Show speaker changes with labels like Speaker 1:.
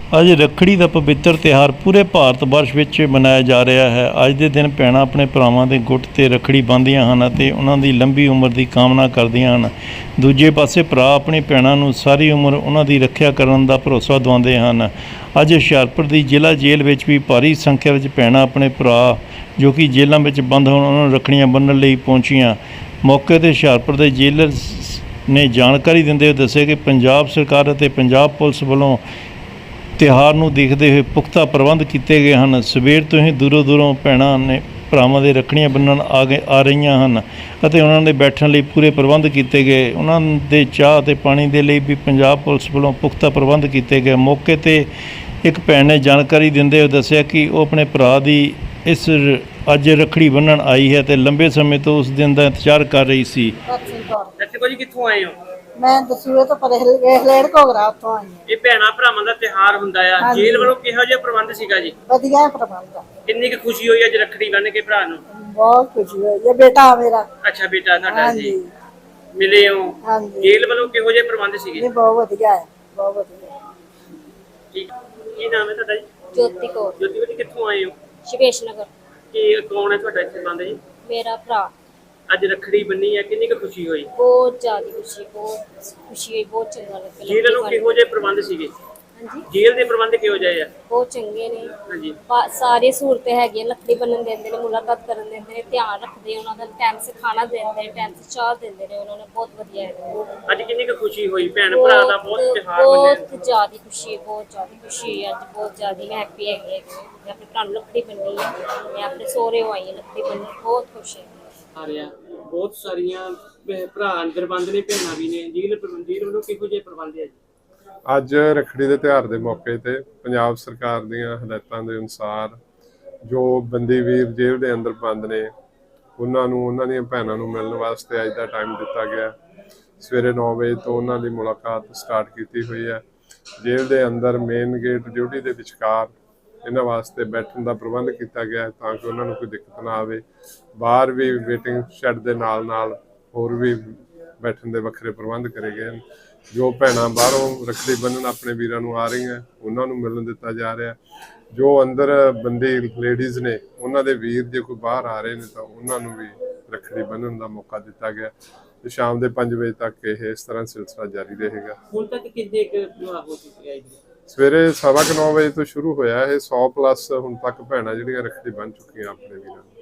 Speaker 1: ਅੱਜ ਰੱਖੜੀ ਦਾ ਪਵਿੱਤਰ ਤਿਉਹਾਰ ਪੂਰੇ ਭਾਰਤ ਵਰਸ਼ ਵਿੱਚ ਮਨਾਇਆ ਜਾ ਰਿਹਾ ਹੈ। ਅੱਜ ਦੇ ਦਿਨ ਭੈਣਾਂ ਆਪਣੇ ਭਰਾਵਾਂ ਦੇ ਗੁੱਟ 'ਤੇ ਰੱਖੜੀ ਬੰਨ੍ਹਦੀਆਂ ਹਨ ਅਤੇ ਉਹਨਾਂ ਦੀ ਲੰਬੀ ਉਮਰ ਦੀ ਕਾਮਨਾ ਕਰਦੀਆਂ ਹਨ। ਦੂਜੇ ਪਾਸੇ ਭਰਾ ਆਪਣੀ ਭੈਣਾਂ ਨੂੰ ਸਾਰੀ ਉਮਰ ਉਹਨਾਂ ਦੀ ਰੱਖਿਆ ਕਰਨ ਦਾ ਭਰੋਸਾ ਦਿਵਾਉਂਦੇ ਹਨ। ਅੱਜ ਹੁਸ਼ਿਆਰਪੁਰ ਦੀ ਜ਼ਿਲ੍ਹਾ ਜੇਲ੍ਹ ਵਿੱਚ ਵੀ ਭਾਰੀ ਸੰਖਿਆ ਵਿੱਚ ਭੈਣਾਂ ਆਪਣੇ ਭਰਾ ਜੋ ਕਿ ਜੇਲ੍ਹਾਂ ਵਿੱਚ ਬੰਦ ਹੋਣ ਉਹਨਾਂ ਨੂੰ ਰੱਖੜੀਆਂ ਬੰਨ੍ਹਣ ਲਈ ਪਹੁੰਚੀਆਂ। ਮੌਕੇ 'ਤੇ ਹੁਸ਼ਿਆਰਪੁਰ ਦੇ ਜੇਲਰ ਨੇ ਜਾਣਕਾਰੀ ਦਿੰਦੇ ਹੋਏ ਦੱਸਿਆ ਕਿ ਪੰਜਾਬ ਸਰਕਾਰ ਅਤੇ ਪੰਜਾਬ ਪੁਲਿਸ ਵੱਲੋਂ ਤਿਉਹਾਰ ਨੂੰ ਦੇਖਦੇ ਹੋਏ ਪੁਖਤਾ ਪ੍ਰਬੰਧ ਕੀਤੇ ਗਏ ਹਨ। ਸਵੇਰ ਤੋਂ ਹੀ ਦੂਰੋਂ ਭੈਣਾਂ ਨੇ ਭਰਾਵਾਂ ਦੇ ਰੱਖੜੀਆਂ ਬੰਨ੍ਹਣ ਆ ਰਹੀਆਂ ਹਨ ਅਤੇ ਉਹਨਾਂ ਦੇ ਬੈਠਣ ਲਈ ਪੂਰੇ ਪ੍ਰਬੰਧ ਕੀਤੇ ਗਏ। ਉਹਨਾਂ ਦੇ ਚਾਹ ਅਤੇ ਪਾਣੀ ਦੇ ਲਈ ਵੀ ਪੰਜਾਬ ਪੁਲਿਸ ਵੱਲੋਂ ਪੁਖਤਾ ਪ੍ਰਬੰਧ ਕੀਤੇ ਗਏ। ਮੌਕੇ 'ਤੇ ਇੱਕ ਭੈਣ ਨੇ ਜਾਣਕਾਰੀ ਦਿੰਦੇ ਹੋਏ ਦੱਸਿਆ ਕਿ ਉਹ ਆਪਣੇ ਭਰਾ ਦੀ ਅੱਜ ਰੱਖੜੀ ਬੰਨ੍ਹਣ ਆਈ ਹੈ ਅਤੇ ਲੰਬੇ ਸਮੇਂ ਤੋਂ ਉਸ ਦਿਨ ਦਾ ਇੰਤਜ਼ਾਰ ਕਰ ਰਹੀ ਸੀ।
Speaker 2: ਜੀ ਕਿੱਥੋਂ ਆਏ ਹੋ?
Speaker 3: ਮੈਂ ਦਸੂਏ ਤੋਂ ਪਰੇ ਲੇੜ ਘੋਗਰਾ ਉੱਥੋਂ ਆਈ ਹਾਂ।
Speaker 2: ਇਹ ਭੈਣਾਂ ਭਰਾਵਾਂ ਦਾ ਤਿਉਹਾਰ ਹੁੰਦਾ ਆ, ਜੇਲ੍ਹ ਵੱਲੋਂ ਕਿਹੋ ਜਿਹਾ ਪ੍ਰਬੰਧ ਸੀਗਾ ਜੀ?
Speaker 3: ਵਧੀਆ ਪ੍ਰਬੰਧ ਆ।
Speaker 2: ਕਿੰਨੀ ਕੁ ਖੁਸ਼ੀ ਹੋਈ ਅੱਜ ਰੱਖੜੀ ਬੰਨ੍ਹ ਕੇ ਭਰਾ ਨੂੰ?
Speaker 3: ਬਹੁਤ ਖੁਸ਼ੀ ਹੋਈ। ਇਹ ਬੇਟਾ ਮੇਰਾ।
Speaker 2: ਅੱਛਾ, ਬੇਟਾ ਤੁਹਾਡਾ ਜੀ। ਮਿਲੇ ਹੋ? ਜੇਲ੍ਹ ਵੱਲੋਂ ਕਿਹੋ ਜਿਹੇ ਪ੍ਰਬੰਧ ਸੀਗੇ?
Speaker 3: ਇਹ ਬਹੁਤ ਵਧੀਆ ਹੈ, ਬਹੁਤ ਵਧੀਆ।
Speaker 2: ਠੀਕ। ਕੀ ਨਾਮ ਹੈ ਤੁਹਾਡਾ ਜੀ?
Speaker 4: ਜੋਤੀ ਕੌਰ।
Speaker 2: ਜੋਤੀ ਜੀ ਕਿੱਥੋਂ ਆਏ ਹੋ?
Speaker 4: ਸ਼ਿਵੇਸ਼ ਨਗਰ।
Speaker 2: ਕੀ ਕੌਣ ਹੈ ਤੁਹਾਡਾ ਇੱਥੇ ਬੰਦ ਜੀ?
Speaker 4: ਮੇਰਾ ਭਰਾ।
Speaker 2: ਅੱਜ ਰੱਖੜੀ ਬੰਨੀ ਹੈ, ਕਿੰਨੀ ਕੁ ਖੁਸ਼ੀ ਹੋਈ?
Speaker 4: ਬਹੁਤ ਜ਼ਿਆਦਾ ਖੁਸ਼ੀ, ਬਹੁਤ ਖੁਸ਼ੀ ਹੋਈ, ਬਹੁਤ ਚੰਗਾ ਲੱਗਾ।
Speaker 2: ਜੇਲ੍ਹ ਨੂੰ ਕਿਹੋ ਜਿਹੇ ਪ੍ਰਬੰਧ ਸੀਗੇ?
Speaker 4: ਹਾਂਜੀ,
Speaker 2: ਜੇਲ੍ਹ ਦੇ ਪ੍ਰਬੰਧ ਕਿਹੋ ਜਿਹੇ ਆ?
Speaker 4: ਬਹੁਤ ਚੰਗੇ ਨੇ।
Speaker 2: ਹਾਂਜੀ,
Speaker 4: ਸਾਰੀ ਸਹੂਲਤਾਂ ਹੈਗੀਆਂ। ਲੱਕੜੀ ਬੰਨਣ ਦਿੰਦੇ ਨੇ, ਮੁਲਾਕਾਤ ਕਰਨ ਦਿੰਦੇ ਨੇ, ਧਿਆਨ ਰੱਖਦੇ ਉਹਨਾਂ ਦਾ, ਟਾਈਮ ਸੇ ਖਾਣਾ ਦਿੰਦੇ ਨੇ, ਟਾਈਮ ਸੇ ਚਾਹ ਦਿੰਦੇ ਨੇ। ਉਹਨਾਂ ਨੇ ਬਹੁਤ ਵਧੀਆ ਹੈ।
Speaker 2: ਅੱਜ ਕਿੰਨੀ ਕੁ ਖੁਸ਼ੀ ਹੋਈ? ਭੈਣ ਭਰਾ ਦਾ ਬਹੁਤ ਤਿਉਹਾਰ ਮੰਨਿਆ।
Speaker 4: ਬਹੁਤ ਜ਼ਿਆਦਾ ਖੁਸ਼ੀ, ਬਹੁਤ ਜ਼ਿਆਦਾ ਖੁਸ਼ੀ। ਅੱਜ ਬਹੁਤ ਜ਼ਿਆਦਾ ਮੈਂ ਹੈਪੀ ਹੈਗੀ। ਮੈਂ ਆਪਣੇ ਭਰਾ ਨੂੰ ਲੱਕੜੀ ਬੰਨੀ ਹੈ। ਮੈਂ ਆਪਣੇ ਸਹੁਰੇ ਆਈ ਹਾਂ ਲੱਕੜੀ ਬੰਨ੍ਹਣ, ਬਹੁਤ ਖੁਸ਼ ਹੈ।
Speaker 2: ਆ ਰਿਹਾ ਬਹੁਤ ਸਾਰੀਆਂ ਭਰਾ ਅੰਦਰ ਬੰਦ ਨੇ, ਭੈਣਾਂ ਵੀ ਨੇ। ਜੇਲ੍ਹ ਵੱਲੋਂ ਕਿਹੋ ਜਿਹੇ ਪ੍ਰਬੰਧ ਹੈ ਜੀ?
Speaker 5: ਅੱਜ ਰੱਖੜੀ ਦੇ ਤਿਉਹਾਰ ਦੇ ਮੌਕੇ ਤੇ ਪੰਜਾਬ ਸਰਕਾਰ ਦੀਆਂ ਹਦਾਇਤਾਂ ਦੇ ਅਨੁਸਾਰ ਜੋ ਬੰਦੀ ਵੀਰ ਜੇਲ੍ਹ ਦੇ ਅੰਦਰ ਬੰਦ ਨੇ ਉਹਨਾਂ ਨੂੰ ਉਹਨਾਂ ਦੀਆਂ ਭੈਣਾਂ ਨੂੰ ਮਿਲਣ ਵਾਸਤੇ ਅੱਜ ਦਾ ਟਾਈਮ ਦਿੱਤਾ ਗਿਆ। ਸਵੇਰੇ 9 ਵਜੇ ਤੋਂ ਉਹਨਾਂ ਦੀ ਮੁਲਾਕਾਤ ਸਟਾਰਟ ਕੀਤੀ ਹੋਈ ਹੈ। ਜੇਲ੍ਹ ਦੇ ਅੰਦਰ ਮੇਨ ਗੇਟ ਡਿਊਟੀ ਦੇ ਵਿਚਕਾਰ ਇਹਨਾਂ ਵਾਸਤੇ ਬੈਠਣ ਦਾ ਪ੍ਰਬੰਧ ਕੀਤਾ ਗਿਆ ਤਾਂ ਕਿ ਉਹਨਾਂ ਨੂੰ ਕੋਈ ਦਿੱਕਤ ਨਾ ਆਵੇ। ਬਾਹਰ ਵੀ ਵੇਟਿੰਗ ਸ਼ੈੱਡ ਦੇ ਨਾਲ ਹੋਰ ਵੀ ਬੈਠਣ ਦੇ ਵੱਖਰੇ ਪ੍ਰਬੰਧ ਕਰੇ ਗਏ ਹਨ। ਜੋ ਭੈਣਾਂ ਬਾਹਰੋਂ ਰੱਖੜੀ ਬੰਨ੍ਹਣ ਆਪਣੇ ਵੀਰਾਂ ਨੂੰ ਆ ਰਹੀਆਂ ਉਹਨਾਂ ਨੂੰ ਮਿਲਣ ਦਿੱਤਾ ਜਾ ਰਿਹਾ। ਜੋ ਅੰਦਰ ਬੰਦੀ ਲੇਡੀਜ਼ ਨੇ ਉਹਨਾਂ ਦੇ ਵੀਰ ਜੇ ਕੋਈ ਬਾਹਰ ਆ ਰਹੇ ਨੇ ਤਾਂ ਉਹਨਾਂ ਨੂੰ ਵੀ ਰੱਖੜੀ ਬੰਨ੍ਹਣ ਦਾ ਮੌਕਾ ਦਿੱਤਾ ਗਿਆ ਤੇ ਸ਼ਾਮ ਦੇ 5 ਵਜੇ ਤੱਕ ਇਹ ਇਸ ਤਰ੍ਹਾਂ ਸਿਲਸਿਲਾ ਜਾਰੀ ਰਹੇਗਾ।
Speaker 2: ਹੁਣ ਤੱਕ ਕਿੰਨੇ ਵਿਆਹ ਹੋ ਚੁੱਕੇ ਆ ਜੀ?
Speaker 5: ਸਵੇਰੇ 9:15 ਵਜੇ ਤੋਂ ਸ਼ੁਰੂ ਹੋਇਆ ਇਹ 100+ ਹੁਣ ਤੱਕ ਭੈਣਾਂ ਜਿਹੜੀਆਂ ਰੱਖੜੀ ਬੰਨ੍ਹ ਚੁੱਕੀਆਂ ਆਪਣੇ ਵੀਰਾਂ ਨੂੰ।